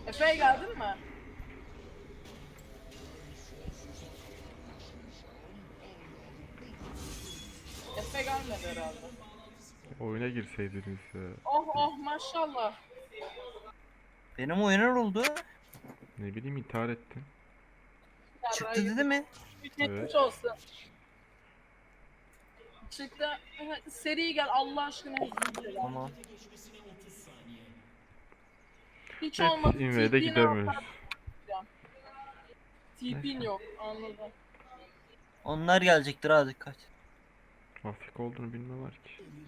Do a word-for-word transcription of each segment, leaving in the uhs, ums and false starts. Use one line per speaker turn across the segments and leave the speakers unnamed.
Efe'ye geldin mi? Efe gelmedi herhalde.
Oyuna girseydiniz ya.
Oh oh maşallah.
Benim oyunlar oldu.
Ne bileyim intihar ettin.
Çıktı dedi mi?
Geçmiş
Evet.
olsun. Çıktı. Seri gel Allah aşkına hızlı gel.
Tamam.
Hiç
Evet,
olmadı.
invade
T P'ni
gidemiyoruz.
T P'in yok anladım.
Onlar gelecektir ha, dikkat.
Afrika olduğunu bilmiyorlar ki.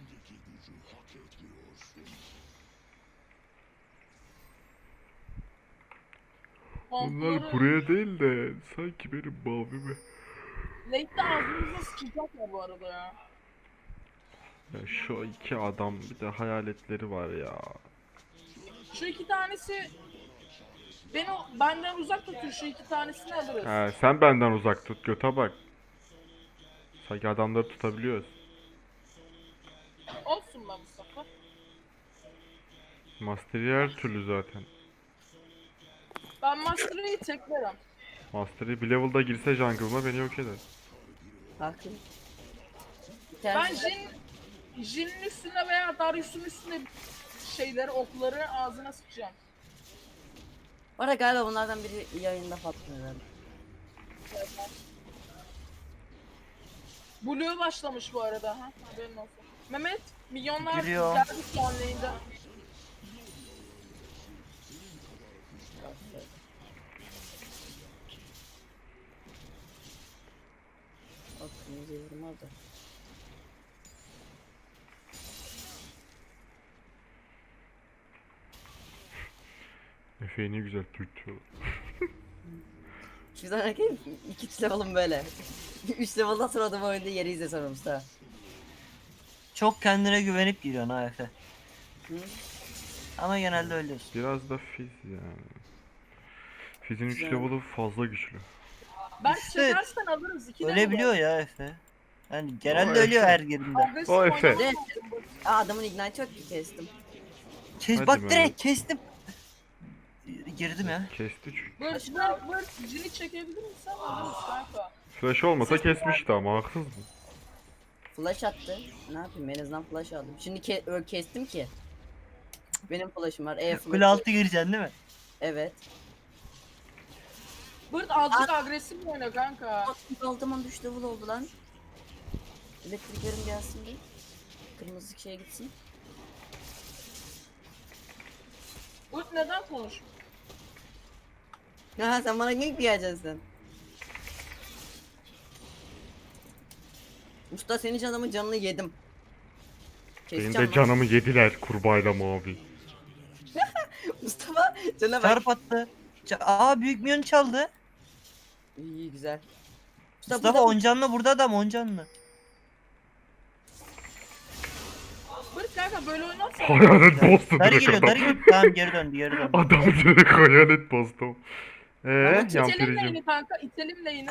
Onlar
Kontrolü
buraya değil de sanki benim mavime.
late'de ağzımıza sıçacak ya bu arada ya.
Ya şu iki adam bir de hayaletleri var ya.
Şu iki tanesi beni benden uzak tutuyor, şu iki tanesini alırız.
Ha, sen benden uzak tut göte bak. Sanki adamları tutabiliyoruz.
Olsun be Mustafa.
Master'ı her türlü zaten.
Ben Master'ı teklerim.
Master'ı bir level'da girse jungle'ıma beni yok eder.
Hakim.
Ben Jin, Jin'in üstüne veya Darius'un üstüne şeyleri, okları ağzına sıkacağım.
Bu arada galiba bunlardan biri yayında patlıyor herhalde.
Blue başlamış bu arada ha. Haberin olsun. Mehmet, milyonlar
Geliyor.
geldi canlı yayında.
Bak kırmızı yorum orada.
Efe'yi ne güzel tutuyor.
Şu zaman erkeğim iki üç level'ım böyle. üç level'dan sonra adamı oyunda yeri izle sonra Mustafa.
Çok kendine güvenip giriyorsun ha Efe.
Hı?
Ama genelde öylesin.
Biraz da Fizz yani. Fizz'in üç
Güzel.
level'ı fazla güçlü.
Ben
İşte
çekersen alırız. iki
Öyle biliyor ya Efe. Yani genelde
O
ölüyor
Efe.
her girdiğinde.
Agresif
O Efe.
oynamam
Ne?
lazım.
Aa adamın ignite çok ki kestim.
Kes,
Hadi
bak
Mehmet.
direkt kestim. Girdim ya.
Kesti çünkü.
Bırt bırt bırt Jin'i çekebilir misin? Alırız kanka.
Flash olmasa kesmişti ama haksız mı?
Flash attı. Ne yapayım en azından flash aldım. Şimdi ke ö- kestim ki. Benim flash'ım var. E
Kule
flash.
altı gireceksin değil mi?
Evet.
Bırt azıcık agresif oyna kanka.
Altıman üç level oldu lan. Elektriklerim gelsin bir. Kırmızı şeye gitsin.
Bırt neden konuş?
Ha sen bana gank mi geleceksin sen? Usta senin canımın canını yedim.
Benim
Keseceğim
de
lan.
canımı yediler kurbağayla mavi.
Mustafa cana bak.
Çarp attı. Ça- Aa büyük minyon çaldı.
İyi güzel. Mustafa,
Mustafa
burada-
on canlı burada adam on canlı.
Bırt kanka böyle oynarsan.
Hayalet bastı
Dari
direkt
geliyor
adam.
dari geliyor. Tamam geri döndü geri döndü.
Adam direkt hayalet bastı. Eee
İtelim
yampiricim.
lane'i kanka, itelim lane'i.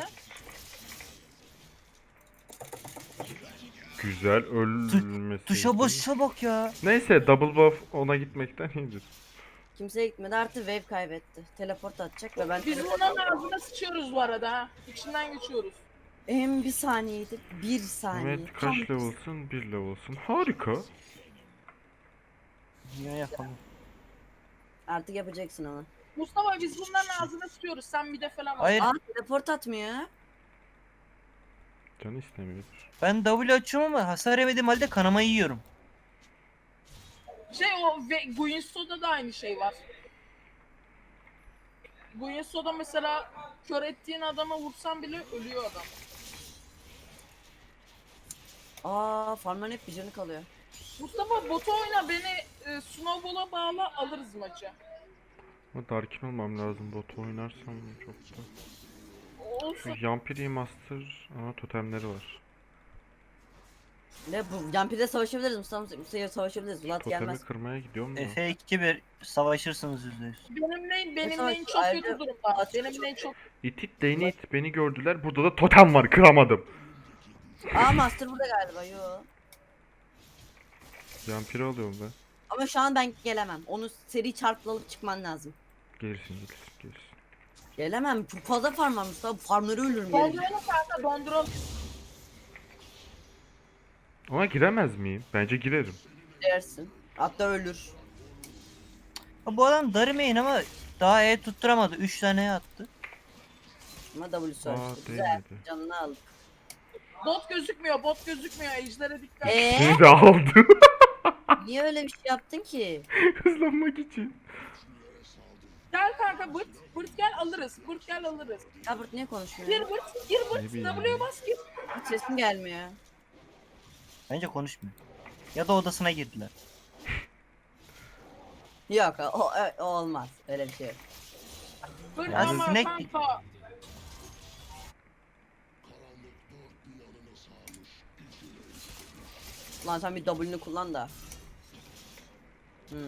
Güzel ölmesi.
Tuşa basışa bak ya.
Neyse double buff ona gitmekten iyidir.
Kimseye gitmedi artı wave kaybetti. Teleport atacak ve ben
Biz
teleport
bunların ağzına sıçıyoruz bu arada ha. İçinden geçiyoruz.
Hem bir saniyeydi. Bir saniye.
Mehmet
Tam
kaç level'sın? bir level'sın. Harika.
Niye yapalım?
Artık yapacaksın onu.
Mustafa biz bunların ağzına sıçıyoruz. Sen bir de falan al.
Hayır
Aa teleport atmıyor.
Canı istemiyordur.
ben W açıyorum ama hasar yemediğim halde kanamayı yiyorum.
Şey o ve Guinsoo'da da aynı şey var. Guinsoo'da mesela kör ettiğin adama vursan bile ölüyor adam.
Aa farmların hep bir canı kalıyor.
Mustafa botu oyna beni e, Snowball'a bağla alırız maçı.
Ama Darkin olmam lazım bot oynarsam çok da.
Olsun.
Çünkü Yampiri Master ama totemleri var.
Ne bu Yampir'de savaşabiliriz Mustafa Mustafa'ya savaşabiliriz. Vlad
Totemi
gelmez.
kırmaya gidiyorum da.
Efe iki bir savaşırsınız yüzde yüz.
Benim lane, benim
Mesela
lane çok
ayrıca-
kötü durumda. Benim lane çok...
İt it lane'i it beni gördüler. Burada da totem var kıramadım.
Aa Master burada galiba yo.
Yampiri alıyorum ben.
Ama şu an ben gelemem. Onu seri çarpla alıp çıkman lazım.
Gelirsin gelirsin gelirsin.
Gelemem. Çok fazla farm var Mustafa. Farmları ölürüm gelir.
Donduralım kanka donduralım.
Ama giremez miyim? Bence girerim.
Dersin. Hatta ölür.
Ha, bu adam darımayın ama daha E tutturamadı. üç tane E attı.
Ama W
Aa,
açtı. Güzel.
değmedi.
Canını al.
Bot gözükmüyor bot gözükmüyor. Ejder'e dikkat.
Eee?
Seni de aldım.
Niye öyle bir şey yaptın ki?
Hızlanmak için.
Gel kanka bırt. Bırt gel alırız. Bırt gel alırız.
Ya Bırt niye konuşmuyor?
Gir bırt. Gir
Ne
bırt.
bileyim
W'ye
ya.
bas gir.
Hiç sesim gelmiyor.
Bence konuşmuyor. Ya da odasına girdiler.
Yok o, o, o olmaz. Öyle bir şey yok.
Bırt
Ya
ama
sinek-
kanka.
Lan sen bir W'nu kullan da. Hmm.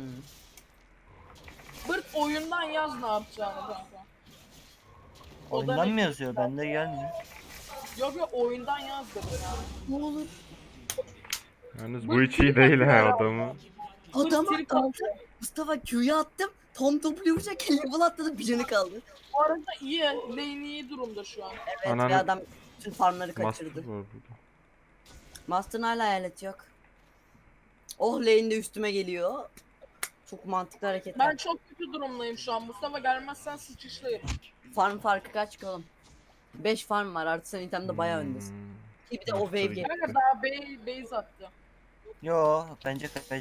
Bırt oyundan yaz ne yapacağını kanka. O da
Oyundan
ne-
mı yazıyor? Bende gelmiyor.
Yok yok oyundan yaz dedi ya.
Ne olur.
Yalnız bu hiç iyi değil ha adamı.
Adama
Bırt kaldı.
Mustafa Q'yu attım. Tom W vuracak level atladı bir canı kaldı.
Bu arada iyi. Lane iyi durumda şu an.
Evet
Ananı-
ve adam bütün farmları
Master
kaçırdı.
var burada.
Master'ın hala hayalet yok. Oh lane de üstüme geliyor. Çok mantıklı hareketler.
Ben çok kötü durumdayım şu an. Mustafa gelmezsen sıçışlayayım.
Farm farkı kaç ki oğlum? beş farm var artı sen itemde bayağı öndesin.
Hmm.
Ki bir de o
Master
wave
gitti.
geliyor.
Kanka daha base, base attı.
Yo bence kaç.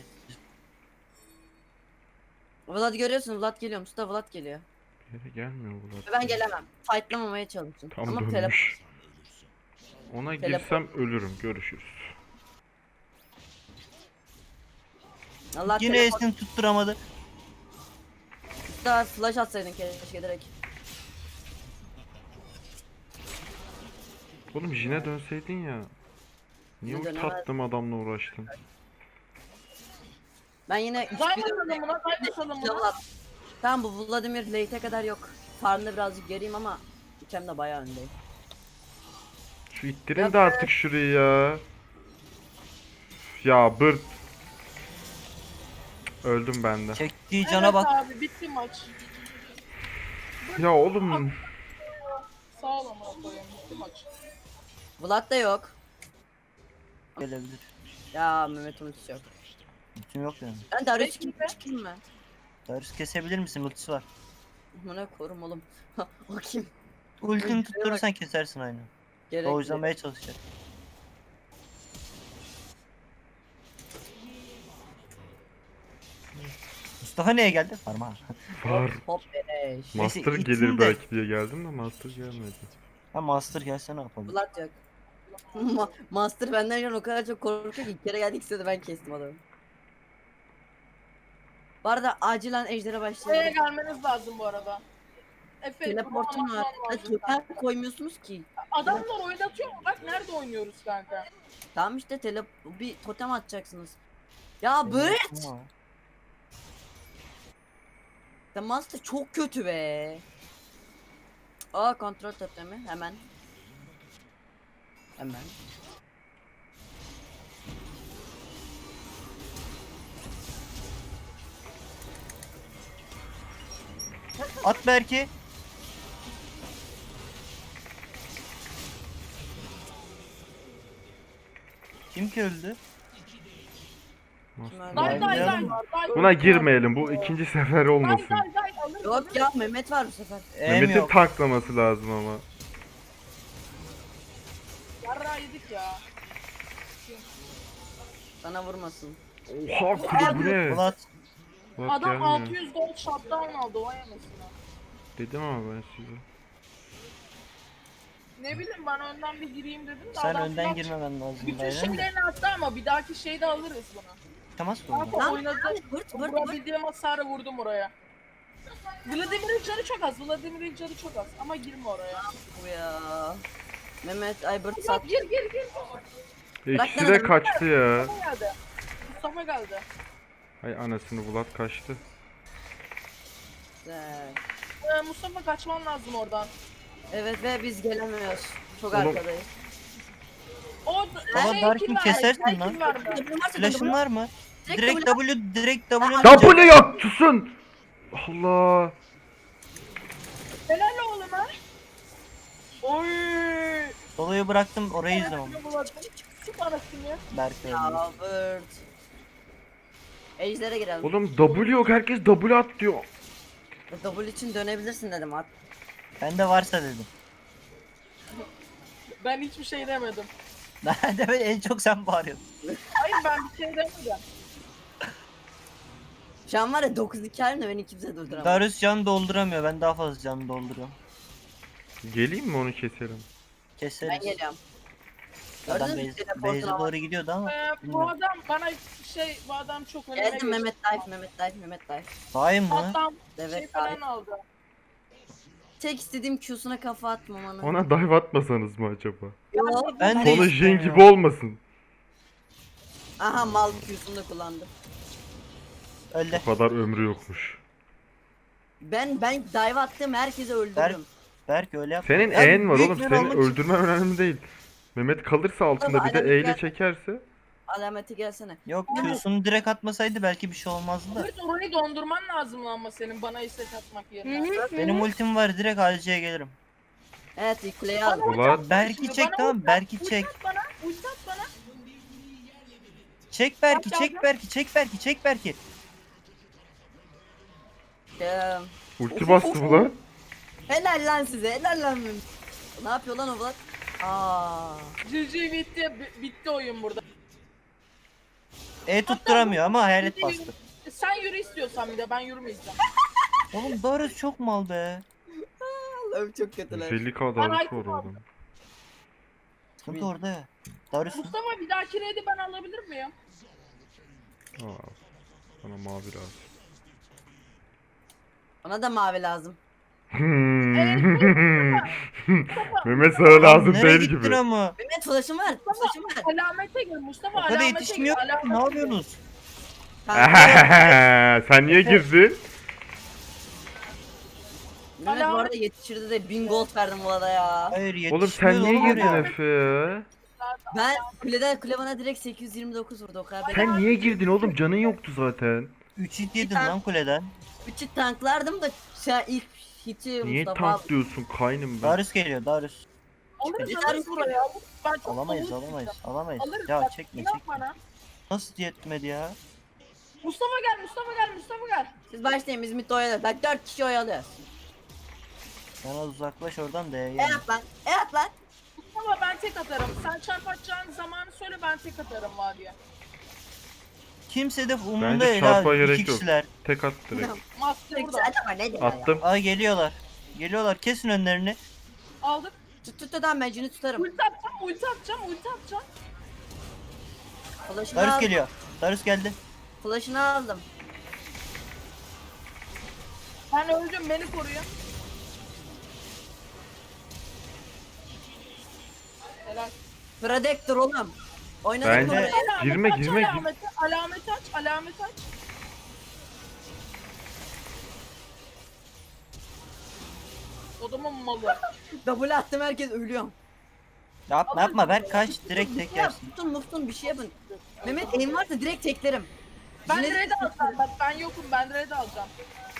Vlad görüyorsun Vlad geliyor Mustafa Vlad geliyor.
Bir yere gelmiyor bu
Ve ben gelemem. Fightlamamaya çalışın.
Tam
Ama
dönmüş.
telefon.
Ona
Telefon.
girsem ölürüm. Görüşürüz.
Allah
Yine
telefon.
E'sini tutturamadı.
Mustafa flash atsaydın keşke direkt.
Oğlum Jin'e dönseydin ya. Niye
Ne
ulti
dönemez?
attım adamla uğraştın?
Ben yine üç
Diamond
bir
atalım buna, diamond atalım
level
buna.
at. Tamam bu Vladimir late'e kadar yok. Farmda birazcık geriyim ama itemde bayağı öndeyim.
Şu ittirin de artık şurayı ya. Ya bırt. Öldüm ben de.
Çektiği cana
Evet
bak.
abi bitti maç.
Ya oğlum.
Sağ ol ama koyayım bitti maç.
Vlad da yok.
Gelebilir.
Ya Mehmet ultisi yok.
Bütün yok yani.
Ben Darius
Peki
çıkayım,
be.
çıkayım mı?
Darius kesebilir misin? Ultisi var.
Buna korum oğlum. O kim?
Ultini tutturursan kesersin aynı.
Gerek
Doğuşlamaya çalışacak. Mustafa neye geldi? Parmağı.
Var.
Hop beleş.
Neyse,
Master
ittin
gelir
de.
belki diye geldim de Master gelmedi.
Ha Master gelse ne yapalım?
Vlad yok. Ma Master benden şu an o kadar çok korkuyor ki ilk kere geldik size de ben kestim adamı. Bu arada acilen ejdere
Buraya
başlayalım.
gelmeniz lazım bu arada. Efe,
Teleportum
bunu
var.
anlatmam
Ya
lazım.
totem koymuyorsunuz ki.
Adamlar oynatıyor mu? Bak nerede oynuyoruz kanka.
Tamam işte tele bir totem atacaksınız. Ya böyle
Ama
The Master çok kötü be. Aa kontrol totemi hemen. Hemen.
At belki. Kim ki öldü?
Master.
Day
Ben
day day
yardım-
var. Day
Buna girmeyelim. Bu ikinci sefer
Day
olmasın.
day day alırız.
Yok ya Mehmet var bu sefer.
Em
Mehmet'in
yok.
taklaması lazım ama.
Yarra yedik ya.
Sana vurmasın.
Oha kuru bu ne?
Vlad.
Bak
Adam
gelmiyor.
altı yüz gold shutdown aldı vay anasını.
Dedim ama ben size.
Ne bileyim ben önden bir gireyim dedim de
Sen
adam
önden
flash-
girmemen lazım.
Bütün
Dayı.
şeylerini attı ama bir dahaki şeyde alırız bunu.
Tamam mı?
Kanka
Lan
oynadı.
Vırt vırt vırt.
Vurabildiğim hasarı vurdum oraya. Vladimir'in canı çok az. Vladimir'in canı çok az. Ama girme oraya.
Bu ya. Mehmet Aybert
Bak
sat.
gir gir gir.
İkisi de kaçtı ya.
Mustafa geldi. Mustafa geldi.
Ay anasını Vlad kaçtı.
Güzel.
Ee, Mustafa kaçman lazım oradan.
Evet ve biz gelemiyoruz. Çok
Oğlum.
arkadayız.
O
Baba
şey,
Darkin
kill verdi,
kesersin
şey,
lan.
kill verdi.
Flash'ın var mı?
Direkt
Direkt
W-
W, direkt W.
Ya bu ne ya? Susun! Allah!
Helal oğlum ha. Oy.
Solo'yu bıraktım orayı izliyorum.
Çık anasını ya.
Berk öldü.
Ya Bird. Ejder'e girelim.
Oğlum W yok, herkes W at diyor.
Double için dönebilirsin dedim at.
Bende varsa dedim.
Ben hiçbir şey demedim.
Ben de en çok sen bağırıyorsun.
Hayır ben bir şey demedim.
Şu an var ya dokuz iki halimle beni kimse durduramaz.
Darius can dolduramıyor. Ben daha fazla can dolduruyorum.
Geleyim mi onu keselim?
Keseriz.
Ben geliyorum.
Adam
Gördünüz mü
base-
teleportuna
base'e
bak.
doğru gidiyordu ama.
Ee, bu
bilmiyorum.
adam bana şey bu adam çok öneme
Geldim
geçti.
Mehmet Dive, Mehmet Dive, Mehmet Dive.
Hain mı?
Hatta
Evet,
şey falan
abi.
aldı.
Tek istediğim Q'suna kafa atmam ona.
Ona dive atmasanız mı acaba?
Yok.
Ben de
Sonu Jhin
istiyorum
gibi
ya.
olmasın.
Aha mal Q'sunu da kullandım.
Öldü.
O kadar ömrü yokmuş.
Ben ben dive attım herkesi
Berk,
öldürdüm.
Berk öyle yap.
Senin
Ya
E'n var
büyük
oğlum,
bir
senin
olmak için-
öldürmen önemli değil. Mehmet kalırsa altında bir de
Adam
E ile
gel-
çekerse.
Alameti gelsene.
Yok Q'sunu direkt atmasaydı belki bir şey olmazdı da.
Evet orayı dondurman lazım ama senin bana istek atmak yerine.
Benim ultim var, direkt A D C'ye gelirim.
Evet ilk kuleyi aldım.
Ulan
Berk'i
Şimdi
çek
bana
tamam,
ulti
Berk'i
at,
çek.
ulti at bana, ulti at bana.
Çek Berk'i,
Bak,
çek
bak.
Berk'i, çek Berk'i, çek Berk'i.
Ee,
ulti
Of,
bastı
of,
bu lan.
helal lan size helal lan. Ne yapıyor lan o Vlad? Aa.
G G bitti, bi- bitti oyun burada.
E tutturamıyor ama hayalet bastı.
Sen yürü istiyorsan bir de ben yürümeyeceğim.
Oğlum Darius çok mal be.
Allah'ım çok kötüler.
yüz elli k
Ben
darısı
item
var
aldım.
oğlum.
Sıkıntı orada ya. Darius
Mustafa bir dahaki raid'i ben alabilir miyim?
Aa, bana mavi lazım.
Bana da mavi lazım.
Mehmet sana lazım
nereye
değil
gittin
gibi.
ama?
Mehmet flash'ım var. Flash'ım var.
Alamete gir Mustafa,
O kadar
alamete gir.
yetişmiyor ki,
alamete
ne
gir.
yapıyorsunuz?
Kanka,
Sen niye girdin?
Mehmet bu arada yetişirdi de bin gold verdim Vlad'a ya.
Hayır
Oğlum sen
yetişmiyor
niye
oğlum
girdin
oraya.
Efe ya?
Ben kuleden kule bana direkt sekiz yüz yirmi dokuz vurdu o kadar.
Sen niye girdin oğlum? Canın yoktu zaten.
üç hit yedin lan kuleden.
Üçü tanklardım da sen ilk hiti
Niye
Mustafa aldı.
tanklıyorsun kaynım ben?
Darius geliyor, Darius.
Alırız
Yeter
alırız buraya. Ben çok
Alamayız,
savun-
alamayız, alamayız.
Alırız
Ya
bak,
çekme,
inan
çekme.
bana.
Nasıl yetmedi ya?
Mustafa gel, Mustafa gel, Mustafa gel.
Siz başlayın biz mid oyalıyoruz. Bak dört kişi oyalıyoruz.
Sen az uzaklaş oradan da
E
yani.
at lan. E at lan.
Mustafa ben tek atarım. Sen çarp atacağın zamanı söyle, ben tek atarım vadiye.
Kimse de umurunda
Bence
değil
çarpa
ha.
gerek
İki
yok.
kişiler.
Tek at direkt.
Master burada.
Acaba ne diyor ya?
Attım.
Ay geliyorlar. Geliyorlar, kesin önlerini.
Aldık.
Tut tut adam ben cini tutarım.
Ulti atacağım, ulti atacağım, ulti atacağım.
Flash'ını
Darius
aldım.
geliyor. Darius geldi.
Flash'ını aldım.
Ben öldüm, beni koruyun. Helal.
Predactor oğlum. Oynadık
Bence-
mı buraya?
Alamet
Girme,
aç,
girme, gir-
Alameti, alameti aç, alameti aç. Odamın malı.
Double attım herkes ölüyor.
Yapma yapma, Berk kaç, direkt tek
Ya
yersin.
tutun muftun bir şey yapın. Mehmet aim varsa direkt teklerim.
Ben
Yine de-
red alacağım, bak ben yokum, ben red alacağım.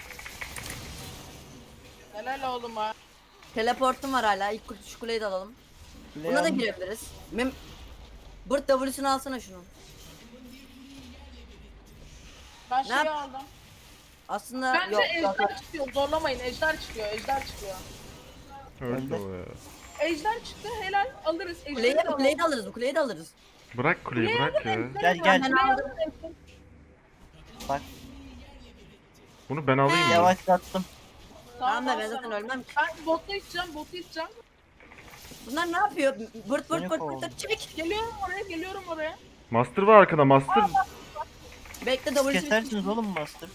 Helal oğlum ha.
Teleportum var hala. İlk kule- şu kuleyi de alalım.
Kuleyi
Buna da
aldım.
girebiliriz. Mem Burt W'sunu alsana şunu.
Ben
Ne
şeyi
yap-
aldım.
Aslında
Bence
yok.
ejder çıkıyor, zorlamayın, ejder çıkıyor, ejder çıkıyor.
Öldü o ya.
Ejder çıktı, helal, alırız.
Kuleyi,
Ejderi de alalım.
kuleyi de alırız. Bu kuleyi de alırız.
Bırak kuleyi,
Kuleyi
bırak
alın,
ya.
ejderi
Gel,
alın,
gel.
kuleyi alın, ejderi-
Bak
Bunu ben alayım mı?
yavaşlattım.
Tamam da
al
ben
sen
zaten
onu.
ölmem ki.
Ben botu içeceğim, botu içeceğim.
Bunlar ne yapıyor? Bırt bırt
Beni
bırt
kovaladı.
bırt çek.
Geliyorum oraya, geliyorum oraya.
Master var arkada, Master.
Bekle
Siz
W'sunu.
kesersiniz oğlum Master.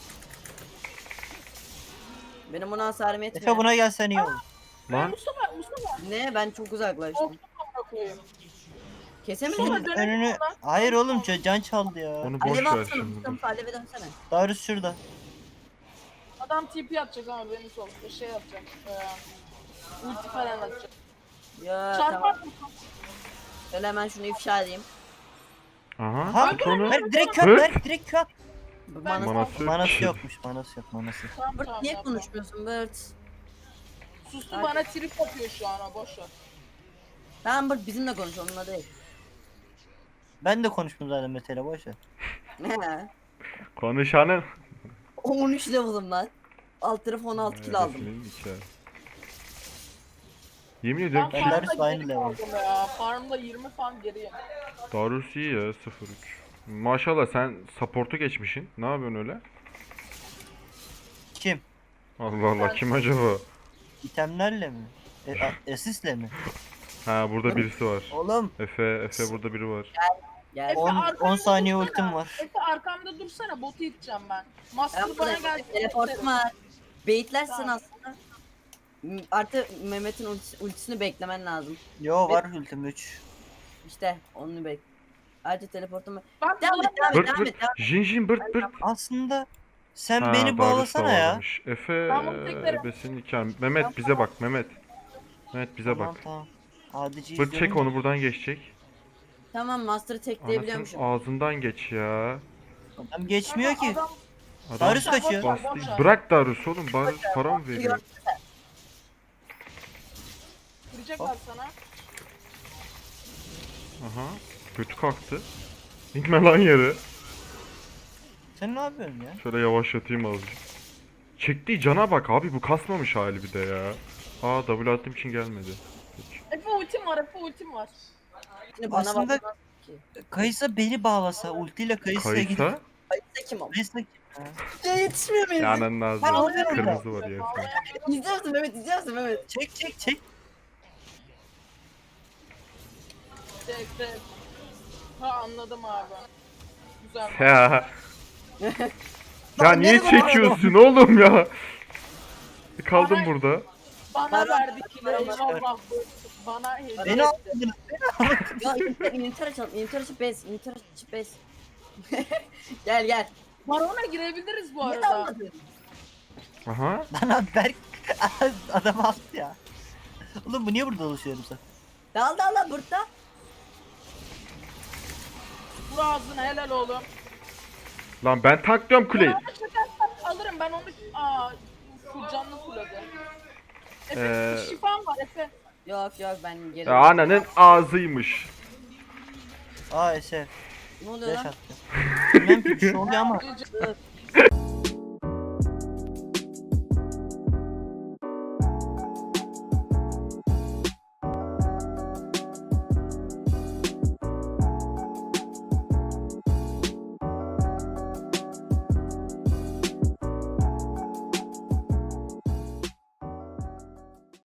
Benim buna hasarım
Efe
yetmiyor.
buna gelsen iyi olur.
Lan
Mustafa, Mustafa.
Ne? Ben çok uzaklaştım.
Korktum amına koyayım.
Kesemedim
Şunun
mi?
dönelim
önünü...
oradan.
Hayır oğlum, can can çaldı ya.
onu boş
Alev
ver
atsana
şimdi. dur.
Mustafa aleve dönsene.
Darius şurada.
Adam T P atacak ama benim sol. Şey yapacak. Ee, ulti falan atacak.
Ya
Çarpar
tamam.
mısın?
Şöyle hemen şunu ifşa edeyim.
Aha,
Ha,
tut onu.
Berk direkt kör,
Hırt.
Berk direkt kör.
Bana
Manası yok
Manası
ki.
yokmuş, manası yok, manası.
Tamam
Bırt
tamam.
niye
yapma.
konuşmuyorsun Bırt?
Sustu bana trip atıyor şu an o boş ver.
Tamam bak bizimle konuş onunla değil.
Ben de konuştum zaten Mete'yle boş ver.
He.
Konuşanın.
on üç level'ım lan. Alt tarafı on altı kill aldım.
Ebesinin nikahı. Yemin ediyorum
Ben
ki
Darius
farmda
aynı
geri
level.
kaldım ya. Farmda yirmi farm geriyim.
Darius iyi ya sıfır üç. Maşallah sen support'u geçmişsin. Ne yapıyorsun öyle?
Kim?
Allah Allah kim acaba?
İtemlerle mi? E, a- asistle mi?
Ha burada birisi var.
Oğlum
Efe, Efe burada biri var.
Gel.
Efe,
on
arkamda
on saniye
dursana.
ultim var.
Efe arkamda dursana botu iteceğim ben. Master
Ben
bana
burada
geldi.
teleportum var. Baitlersin
Tamam.
aslında. M- Artı Mehmet'in ultis- ultisini beklemen lazım.
Yo var ultim üç.
İşte onu bek. Ayrıca teleportum var.
Bak
Devam et devam et
Bırt
devam
bırt.
et. Devam et.
Jin Jin bırt bırt.
Aslında sen
Ha,
beni
Darius da
bağlasana ya.
varmış. Efe
Ben bunu tekrar-
ebesinin nikahı. Mehmet bize bak Mehmet. Mehmet bize
Tamam
bak.
tamam. Adici
Bırt çek
izliyorum
onu buradan geçecek.
Tamam Master'ı
Anasının
tekleyebiliyormuşum.
ağzından geç ya.
da. Adam geçmiyor ki.
Adam,
Adam
Darius kaçıyor.
boş ver,
bastı.
boş ver.
Bırak Darius oğlum. Bari para mı veriyor?
Kıracaklar sana.
Aha. Kötü kalktı. İnme lan yere.
Sen ne yapıyorsun ya?
Şöyle yavaşlatayım azıcık. Çektiği cana bak abi bu kasmamış hali bir de ya. Aa W attığım için gelmedi. Peki.
Efe ultim var, Efe ultim var.
Şimdi bana
Aslında-
bakmaz ki.
Kayısa beni bağlasa ultiyle Kayısa'ya gidip.
Kayısa.
Kayıtsa kim o?
Kayısa kim? Ha.
Ya yetişmiyor muyum?
Yanın
Ben
ağzı.
alıyorum
Kırmızı var ya. sen.
İzliyor musun Mehmet izliyor musun Mehmet?
Çek çek çek.
Tek tek. Ha anladım abi. Güzel.
Ya. Ya
Lan
niye
nereye
çekiyorsun oğlum ya? Kaldım burada.
Bana
Para-
verdi ki
para-
eyvallah. Bana hediye
Beni
etti.
aldın.
Ya inventar açalım. Inventar açıp bez. Inventar açıp bez. Gel gel.
Barona girebiliriz bu
Ne
arada.
anladın?
Aha.
Bana Berk adam aldı ya. Oğlum bu niye burada dolaşıyorum sen?
Dal dal dal burada.
Vur ağzına helal oğlum.
Lan ben taklıyorum kuleyi.
Barona çekersem alırım ben onu. Aa şu canlı kuladı. Efe
Ee,
şifam var Efe.
Yok yok ben geri.
Ya ananın ağzıymış.
Aa Eser.
Ne oluyor
Flash
lan?
attı. Bilmem ki bir şey oluyor ama.
Gece-